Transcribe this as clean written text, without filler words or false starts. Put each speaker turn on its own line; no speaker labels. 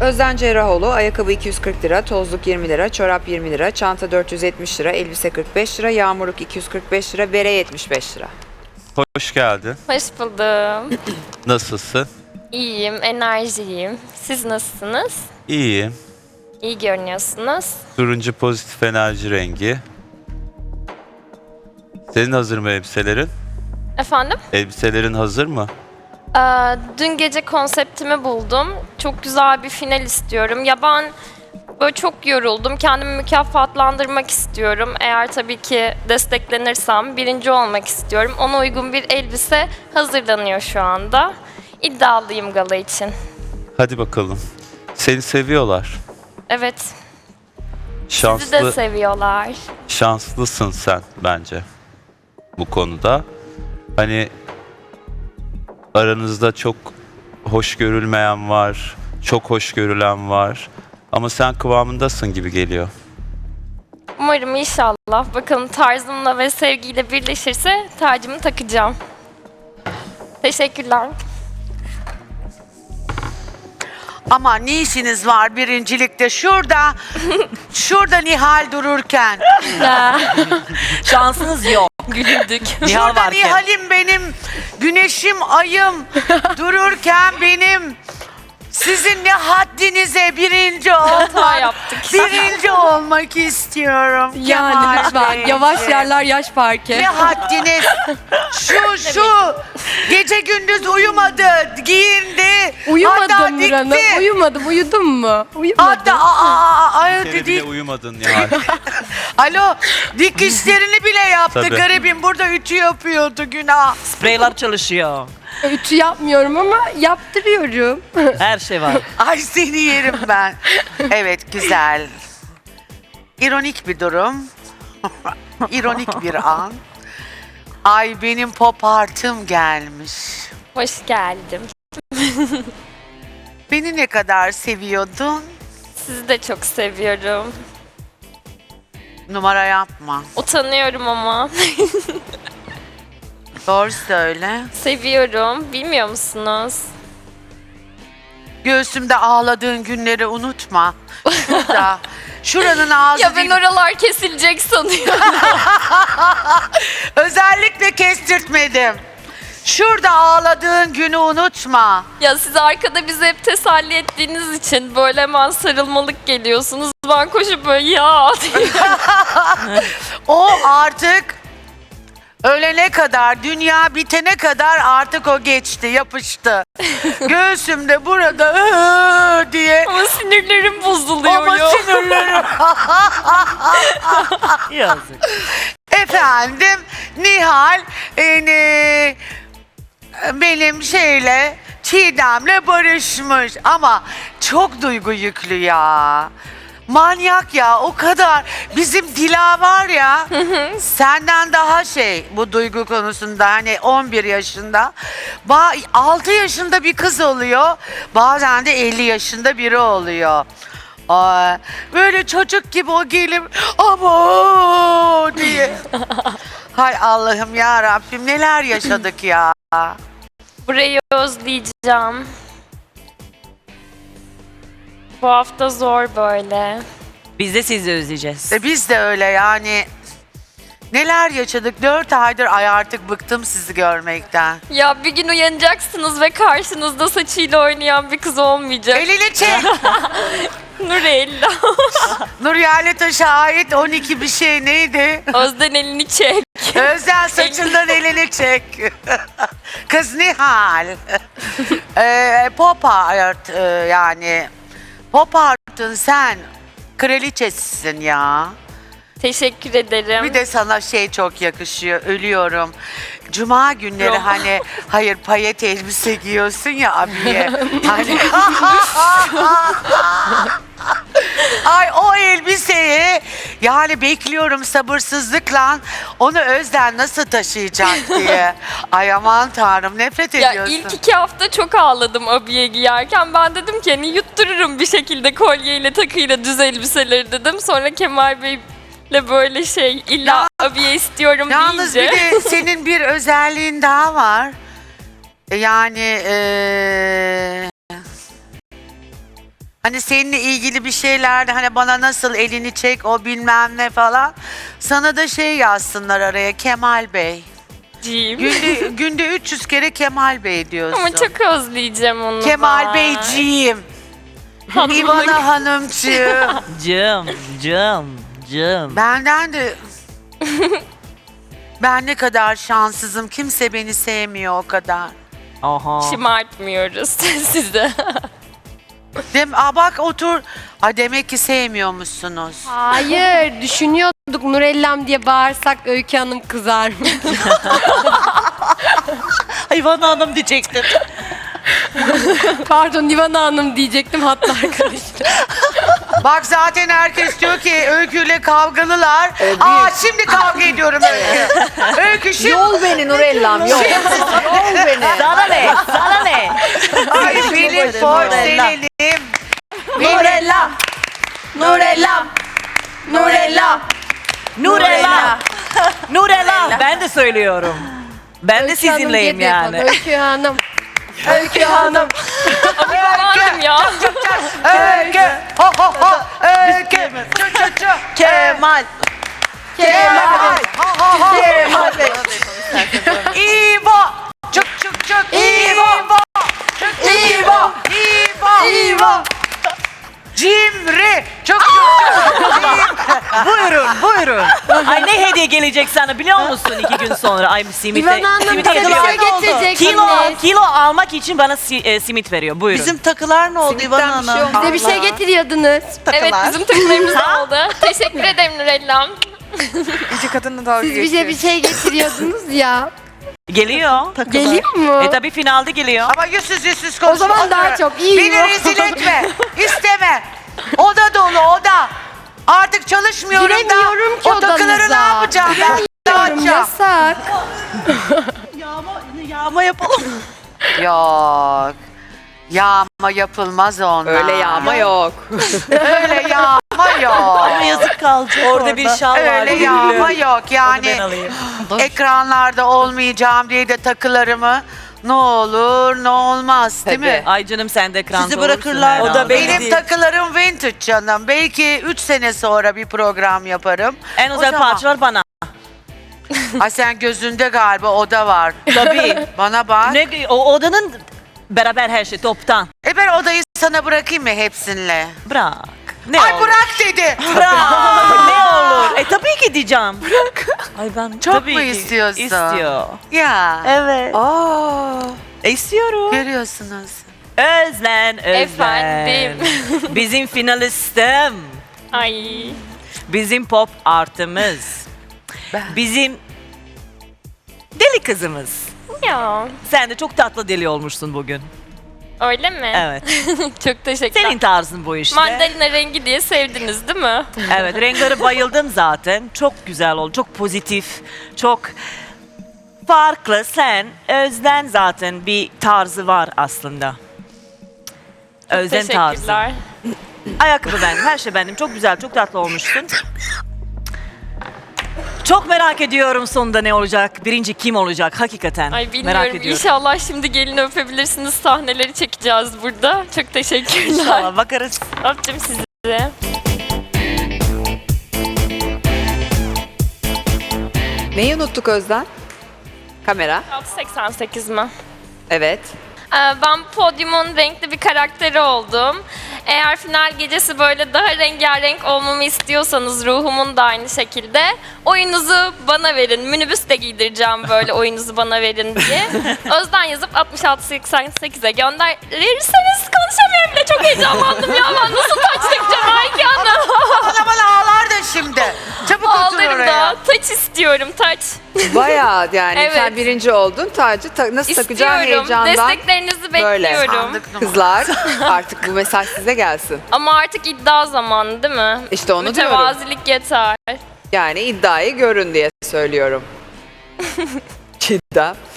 Özden Cerrahoğlu, ayakkabı 240 lira, tozluk 20 lira, çorap 20 lira, çanta 470 lira, elbise 45 lira, yağmurluk 245 lira, bere 75 lira.
Hoş geldin.
Hoş buldum.
Nasılsın?
İyiyim, enerjiyim. Siz nasılsınız?
İyiyim.
İyi görünüyorsunuz.
Turuncu pozitif enerji rengi. Senin hazır mı elbiselerin?
Efendim?
Elbiselerin hazır mı?
Dün gece konseptimi buldum. Çok güzel bir final istiyorum. Ya ben böyle çok yoruldum. Kendimi mükafatlandırmak istiyorum. Eğer tabii ki desteklenirsem birinci olmak istiyorum. Ona uygun bir elbise hazırlanıyor şu anda. İddialıyım gala için.
Hadi bakalım. Seni seviyorlar.
Evet, sizi de
Şanslı,
seviyorlar.
şanslısın sen bence bu konuda. Hani aranızda çok hoş görülmeyen var, çok hoş görülen var. Ama sen kıvamındasın gibi geliyor.
Umarım inşallah. Bakalım tarzımla ve sevgiyle birleşirse tacımı takacağım. Teşekkürler.
Ama ne işiniz var birincilikte? Şurada Nihal dururken.
Şansınız yok.
Güldük.
Nihal
Şurada
varken.
Nihal'im benim, güneşim, ayım dururken benim. Sizin ne haddinize birinci
Hata
olmak,
yaptık.
birinci olmak istiyorum.
Yani
Kemal
lütfen
Bey.
yavaş yerler yaş parke.
Ne haddiniz? Şu gece gündüz uyumadı, giyindi. hatta
Uyumadım
dikti.
Nurhan'ım. Uyumadım. Uyudun mu? Uyumadım.
Hatta
Bir kere bile
dedi.
uyumadın yani.
Alo, dikişlerini bile yaptı
Tabii.
garibim. Burada ütü yapıyordu, günah.
Spreyler çalışıyor.
Ütü yapmıyorum ama yaptırıyorum.
Her şey var.
Ay seni yerim ben. Evet, güzel. İronik bir durum. İronik bir an. Ay benim pop artım gelmiş.
Hoş geldim.
Beni ne kadar seviyordun?
Sizi de çok seviyorum.
Numara yapma.
Utanıyorum ama.
Doğru söyle.
Seviyorum. Bilmiyor musunuz?
Göğsümde ağladığın günleri unutma. Şurada. Şuranın ağzı
Ya ben
değil.
oralar kesilecek sanıyorum.
Özellikle kestirtmedim. Şurada ağladığın günü unutma.
Ya siz arkada bizi hep teselli ettiğiniz için böyle hemen sarılmalık geliyorsunuz. Ben koşup böyle ya diye.
O artık ölene kadar, dünya bitene kadar artık o geçti, yapıştı. Göğsümde burada diye.
Ama sinirlerim bozuluyor
Ama
ya.
sinirlerim.
Yazık.
Efendim, Nihal benim Çiğdem'le barışmış ama çok duygu yüklü ya. Manyak ya, o kadar. Bizim Dila var ya, senden daha bu duygu konusunda, hani 11 yaşında. 6 yaşında bir kız oluyor, bazen de 50 yaşında biri oluyor. Böyle çocuk gibi o gelip abo diye. Hay Allah'ım ya Rabbim, neler yaşadık ya.
Burayı özleyeceğim. Bu hafta zor böyle.
Biz de sizi özleyeceğiz.
Biz de öyle yani. Neler yaşadık 4 aydır, ay artık bıktım sizi görmekten.
Ya bir gün uyanacaksınız ve karşınızda saçıyla oynayan bir kız olmayacak.
Elini çek.
Nurella.
Nur Yerlitaş'a ait 12 bir şey neydi?
Özden elini çek.
Özden saçından elini çek. Kız Nihal. Pop art yani. Pop art'ın sen kraliçesisin ya.
Teşekkür ederim.
Bir de sana çok yakışıyor. Ölüyorum. Cuma günleri
Yok.
hani hayır payet elbise giyiyorsun ya abiye. Hani ay o elbiseyi yani bekliyorum sabırsızlıkla, onu Özden nasıl taşıyacak diye. Ay aman tanrım, nefret
Ya
ediyorsun.
ilk 2 hafta çok ağladım abiye giyerken. Ben dedim ki hani yuttururum bir şekilde kolyeyle takıyla düz elbiseleri dedim. Sonra Kemal Bey'le böyle illa abiye istiyorum
Yalnız
deyince.
bir de senin bir özelliğin daha var. Yani Hani seninle ilgili bir şeylerde hani bana nasıl elini çek o bilmem ne falan. Sana da şey yazsınlar araya Kemal Bey.
Cim.
Günde 300 kere Kemal Bey diyorsun.
Ama çok özleyeceğim onu
Kemal
ben.
Beyciğim.
Hanımlık.
İvana Hanımcığım.
Cım.
Benden de... Ben ne kadar şanssızım. Kimse beni sevmiyor o kadar.
Aha.
Şımartmıyoruz sizi.
Bak otur. Ha demek ki sevmiyormuşsunuz.
Hayır, düşünüyorduk Nurellam diye bağırsak Öykü Hanım kızar mı?
Hayvan Hanım diyecektim.
Pardon Nivana Hanım diyecektim hatta arkadaşlar.
Bak zaten herkes diyor ki Öykü'yle kavgalılar. Şimdi kavga ediyorum Öykü. Öykü şimdi...
Yol beni Nurellam, yol. Yol beni.
Sana ne? Sana ne?
Ay benim porselenim.
Nurella.
Nurellam! Nurellam!
Nurella. Nurella. Ben de söylüyorum. Ben de
Öykü Hanım
sizinleyim
diye de yapalım.
yani.
Öykü Hanım. Öykü Hanım.
Aman ya.
Öykü. Ho ho ho. Öykü. Çu çu çu.
Kemal.
Kemal.
Ho ho ho.
Kemal Bey.
İbo. Çık çık çık. İbo. Çık çık.
İbo.
İbo.
İbo.
Cimri. Çık çık çık.
Buyurun. Ay ne hediye gelecek sana biliyor musun 2 gün sonra? Ay simit.
İvan Hanım
simit
bize bir
veriyor.
şey getirecek anne.
Kilo almak için bana simit veriyor. Buyurun.
Bizim takılar ne oldu İvan
Simitten bir şey
Hanım?
olmaz.
Bize bir şey getiriyordunuz.
Evet bizim takımlarımız oldu. Teşekkür ederim Nurellam.
İki kadınla dalga
Siz bize bir şey getiriyordunuz ya.
Geliyor.
Geliyor mu?
Tabii finalde geliyor.
Ama yüzsüz konuş.
O zaman daha çok iyi.
Beni rezil etme. İsteme. Oda dolu oda. Artık çalışmıyorum da.
Giremiyorum ki
O takıları ne
odanıza.
yapacağım ben?
Giremiyorum, yasak.
Yağma yapalım.
Yok. Yağma yapılmaz onlar.
Öyle yağma yok.
Öyle yağma yok.
Ama yazık kalacak
Orada bir şal var.
Öyle yağma yok.
Ben
Yani
alayım.
ekranlarda olmayacağım diye de takılarımı ne olur ne olmaz değil
Tabii.
mi?
Ay canım sen de ekranda
Sizi
olursun
bırakırlar.
herhalde.
O da belli
Benim
değil.
takılarım vintage canım. Belki 3 sene sonra bir program yaparım.
En
O
özel
zaman-
parçalar bana.
Ay sen gözünde galiba oda var.
Tabii.
Bana bak.
Ne, o odanın beraber her şey toptan.
Ben odayı sana bırakayım mı hepsinle?
Bırak. Ne
Ay
olur.
bırak dedi.
Bırak. Ne olur. Tabii ki diyeceğim. Bırak. Ay ben
Çok
tabii
mu
ki.
istiyorsun?
İstiyor.
Ya.
Evet.
Aa.
İstiyorum.
Görüyorsunuz.
Özlen.
Efendim.
Bizim finalistim.
Ay.
Bizim pop artımız. Bizim deli kızımız.
Ya.
Sen de çok tatlı deli olmuşsun bugün.
Öyle mi?
Evet.
Çok teşekkürler.
Senin tarzın bu işte.
Mandalina rengi diye sevdiniz değil mi?
Evet, renkleri bayıldım zaten. Çok güzel oldu, çok pozitif, çok farklı. Sen, Özden zaten bir tarzı var aslında. Özden tarzı.
Teşekkürler.
Ayakkabı benim, her şey benim. Çok güzel, çok tatlı olmuşsun. Çok merak ediyorum sonunda ne olacak, birinci kim olacak hakikaten.
Ay
merak
bilmiyorum.
ediyorum.
İnşallah şimdi gelin öpebilirsiniz. Sahneleri çekeceğiz burada. Çok teşekkürler.
İnşallah bakarız.
Öptüm sizi.
Neyi unuttuk Özden? Kamera.
688 mi?
Evet.
Ben podyumun renkli bir karakteri oldum. Eğer final gecesi böyle daha rengarenk olmamı istiyorsanız ruhumun da aynı şekilde oyunuzu bana verin. Minibüs de giydireceğim böyle oyunuzu bana verin diye. Özden yazıp 6688'e gönderirseniz konuşamıyorum bile çok heyecanlandım ya. Ben nasıl taç takacağım Ayki Hanım?
Bana ağlar da şimdi. Çabuk otur
Ağlarım
oraya.
da. Taç istiyorum taç.
Bayağı yani
Evet.
sen birinci oldun. Tacı nasıl takacağın
İstiyorum.
heyecandan.
Desteklerinizi
Böyle.
bekliyorum.
Sandık numara.
Kızlar artık bu mesaj size gelsin.
Ama artık iddia zamanı değil mi?
İşte onu diyorum.
Mütevazilik yeter.
Yani iddiayı görün diye söylüyorum. Cidden.